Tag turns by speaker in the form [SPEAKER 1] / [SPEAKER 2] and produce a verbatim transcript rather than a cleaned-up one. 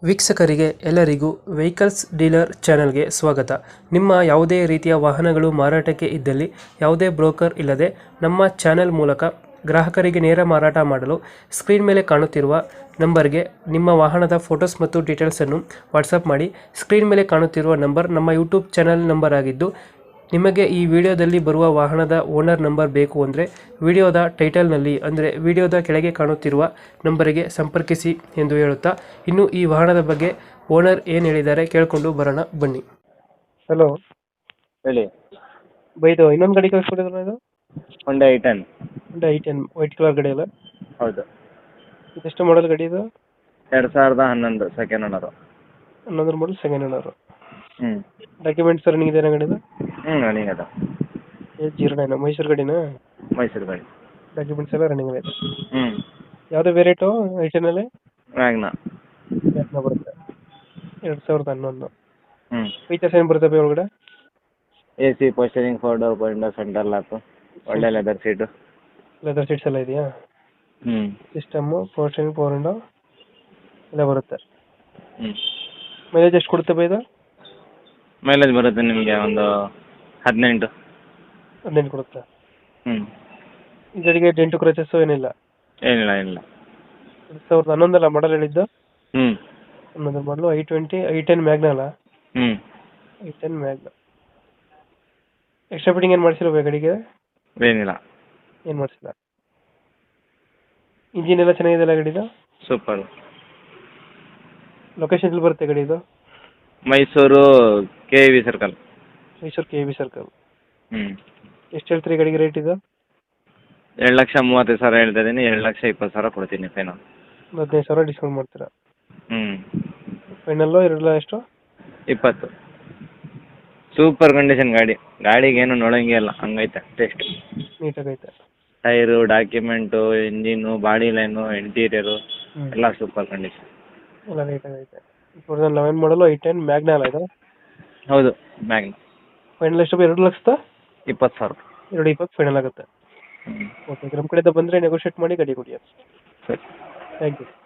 [SPEAKER 1] ವೀಕ್ಷಕರಿಗೆ ಎಲ್ಲರಿಗೂ vehicles dealer ಚಾನೆಲ್ಗೆ ಸ್ವಾಗತ. ನಿಮ್ಮ ಯಾವುದೇ ರೀತಿಯ ವಾಹನಗಳು ಮಾರಾಟಕ್ಕೆ ಇದ್ದಲ್ಲಿ ಯಾವುದೇ ಬ್ರೋಕರ್ ಇಲ್ಲದೆ ನಮ್ಮ ಚಾನೆಲ್ ಮೂಲಕ ಗ್ರಾಹಕರಿಗೆ ನೇರ ಮಾರಾಟ ಮಾಡಲು ಸ್ಕ್ರೀನ್ ಮೇಲೆ ಕಾಣುತ್ತಿರುವ ನಂಬರ್ಗೆ ನಿಮ್ಮ ವಾಹನದ ಫೋಟೋಸ್ ಮತ್ತು ಡೀಟೇಲ್ಸನ್ನು ವಾಟ್ಸಪ್ ಮಾಡಿ. ಸ್ಕ್ರೀನ್ ಮೇಲೆ ಕಾಣುತ್ತಿರುವ ನಂಬರ್ ನಮ್ಮ ಯೂಟ್ಯೂಬ್ ಚಾನೆಲ್ ನಂಬರ್ ಆಗಿದ್ದು, ನಿಮಗೆ ಈ ವಿಡಿಯೋದಲ್ಲಿ ಬರುವ ವಾಹನದ ಓನರ್ ನಂಬರ್ ಬೇಕು ಅಂದರೆ ವಿಡಿಯೋದ ಟೈಟಲ್ನಲ್ಲಿ ಅಂದರೆ ವಿಡಿಯೋದ ಕೆಳಗೆ ಕಾಣುತ್ತಿರುವ ನಂಬರಿಗೆ ಸಂಪರ್ಕಿಸಿ ಎಂದು ಹೇಳುತ್ತಾ, ಇನ್ನು ಈ ವಾಹನದ ಬಗ್ಗೆ ಓನರ್ ಏನು ಹೇಳಿದ್ದಾರೆ ಕೇಳಿಕೊಂಡು ಬರೋಣ ಬನ್ನಿ. ಹಲೋ,
[SPEAKER 2] ಹೇಳಿ.
[SPEAKER 1] ಬೈದು ಇನ್ನೊಂದು ಗಾಡಿ ಕಳಿಸ್ಕೊಡಿದ್ರಲ್ಲ, ಇದು
[SPEAKER 2] ಹೊಂಡಾ ಐ ಟೆನ್.
[SPEAKER 1] ಒಂದು ಐ ಟೆನ್ ವೈಟ್ ಕಲರ್ ಗಾಡಿ ಅಲ್ಲ?
[SPEAKER 2] ಹೌದು.
[SPEAKER 1] ಇದೆಷ್ಟು ಮಾಡಲ್ ಗಾಡಿ ಇದು?
[SPEAKER 2] ಎರಡು ಸಾವಿರದ ಹನ್ನೊಂದು ಸೆಕೆಂಡ್ ಓನರು.
[SPEAKER 1] ಹನ್ನೊಂದರ ಮಾಡಲ್ ಸೆಕೆಂಡ್ ಓನರ್.
[SPEAKER 2] ಹ್ಞೂ
[SPEAKER 1] ಡಾಕ್ಯುಮೆಂಟ್ಸ್ ರನ್ನಿಂಗ್ ಇದೆ ಗಾಡಿದು?
[SPEAKER 2] ಹ್ಞೂ ರನ್ನಿಂಗ್ ಅದ.
[SPEAKER 1] ಏ ಜೀರೋ ನೈನ್ ಮೈಸೂರು ಗಾಡಿನಾ?
[SPEAKER 2] ಮೈಸೂರು ಗಾಡಿ.
[SPEAKER 1] ಡಾಕ್ಯುಮೆಂಟ್ಸ್ ಎಲ್ಲ ರನ್ನಿಂಗ್ ಇದೆ.
[SPEAKER 2] ಹ್ಞೂ.
[SPEAKER 1] ಯಾವುದೇ ವೇರಿಯಂಟು ಐ ಟೆನ್ನಲ್ಲಿ?
[SPEAKER 2] ವ್ಯಾಗ್ನ.
[SPEAKER 1] ವ್ಯಾಗ್ನ ಬರುತ್ತೆ. ಎರಡು ಸಾವಿರದ ಹನ್ನೊಂದು.
[SPEAKER 2] ಹ್ಞೂ.
[SPEAKER 1] ಫೀಚರ್ಸ್ ಏನು ಬರುತ್ತೆ ಒಳಗಡೆ?
[SPEAKER 2] A C, power steering, four door window, centre lock, ಒಳ್ಳೆ ಲೆದರ್ ಸೀಟು.
[SPEAKER 1] ಲೆದರ್ ಸೀಟ್ಸ್ ಎಲ್ಲ ಇದೆಯಾ?
[SPEAKER 2] ಹ್ಞೂ.
[SPEAKER 1] ಸಿಸ್ಟಮ್ಮು, ಪೋಸ್ಟರಿಂಗ್, ಫೋರ್ ವಿಂಡೋ ಎಲ್ಲ ಬರುತ್ತೆ.
[SPEAKER 2] ಹ್ಞೂ.
[SPEAKER 1] ಮೈಲೇಜ್ ಎಷ್ಟು ಕೊಡುತ್ತೆ ಬೈ ಇದು?
[SPEAKER 2] ಮೈಲೇಜ್ ಬರುತ್ತೆ ನಿಮಗೆ ಒಂದು ಹದಿನೆಂಟು.
[SPEAKER 1] ಹದಿನೆಂಟು ಕೊಡುತ್ತೆ.
[SPEAKER 2] ಹ್ಞೂ.
[SPEAKER 1] ಈ ಗಾಡಿಗೆ ಡೆಂಟು ಕ್ರಚಸ್ಸು ಏನಿಲ್ಲ?
[SPEAKER 2] ಏನಿಲ್ಲ ಏನಿಲ್ಲ.
[SPEAKER 1] ಎರಡು ಸಾವಿರದ ಹನ್ನೊಂದಲ್ಲ ಮಾಡಲ್ ಹೇಳಿದ್ದು?
[SPEAKER 2] ಹ್ಞೂ.
[SPEAKER 1] ಹನ್ನೊಂದು model i twenty i ten Magna ಅಲ್ಲ?
[SPEAKER 2] ಹ್ಞೂ.
[SPEAKER 1] I ten Magna. Extra fitting ಏನು ಮಾಡಿಸಿಲ್ಲ ಗಾಡಿಗೆ?
[SPEAKER 2] ಏನಿಲ್ಲ.
[SPEAKER 1] ಏನು ಮಾಡಿಸಿಲ್ಲ. ಇಂಜಿನ್ ಎಲ್ಲ ಚೆನ್ನಾಗಿದೆಯಲ್ಲ ಗಾಡಿದು?
[SPEAKER 2] ಸೂಪರ್.
[SPEAKER 1] ಲೊಕೇಶನ್ ಎಲ್ಲಿ ಬರುತ್ತೆ ಗಾಡಿ ಇದು?
[SPEAKER 2] Mysuru K V circle.
[SPEAKER 1] Mysuru K V circle.
[SPEAKER 2] ಹ್ಞೂ.
[SPEAKER 1] ಎಷ್ಟು ಹೇಳ್ತೀರಿ ಗಾಡಿಗೆ ರೇಟ್ ಇದು?
[SPEAKER 2] ಎರಡು ಲಕ್ಷ ಮೂವತ್ತೈದು ಸಾವಿರ ಹೇಳ್ತಾ ಇದ್ದೀನಿ. ಎರಡು ಲಕ್ಷ ಇಪ್ಪತ್ತು ಸಾವಿರ ಕೊಡ್ತೀನಿ ಫೈನಲ್.
[SPEAKER 1] ಒಂದು ಹದಿನೈದು ಸಾವಿರ ಡಿಸ್ಕೌಂಟ್ ಮಾಡ್ತೀರಾ?
[SPEAKER 2] ಹ್ಞೂ.
[SPEAKER 1] ಫೈನಲ್ಲು ಎರಡು ಎಷ್ಟು?
[SPEAKER 2] ಇಪ್ಪತ್ತು. ಸೂಪರ್ ಕಂಡೀಷನ್ ಗಾಡಿ. ಗಾಡಿಗೆ ಏನು ನೋಡೋಂಗೆ ಇಲ್ಲ, ಹಂಗೈತೆ ಟೆಸ್ಟ್.
[SPEAKER 1] ನೀಟಾಗೈತೆ.
[SPEAKER 2] Tyre, document, engine, body line, interior ಎಲ್ಲ ಸೂಪರ್ ಕಂಡೀಷನ್.
[SPEAKER 1] ಎಲ್ಲ ನೀಟಾಗೈತೆ. Two thousand eleven model i ten Magna ಅಲ್ಲ ಇದು?
[SPEAKER 2] ಹೌದು, ಮ್ಯಾಗ್ನ.
[SPEAKER 1] ಫೈನಲ್ ಎಷ್ಟು? ಎರಡು ಲಕ್ಷದ
[SPEAKER 2] ಇಪ್ಪತ್ತು ಸಾವಿರ.
[SPEAKER 1] ಎರಡು ಇಪ್ಪತ್ತು ಫೈನಲ್ ಆಗುತ್ತೆ.
[SPEAKER 2] ಹ್ಞೂ.
[SPEAKER 1] ಓಕೆ, ನಮ್ಮ ಕಡೆಯಿಂದ ಬಂದರೆ ನೆಗೋಷಿಯೇಟ್ ಮಾಡಿ ಗಾಡಿ ಕೊಡಿ.
[SPEAKER 2] ಸರಿ.
[SPEAKER 1] Thank you.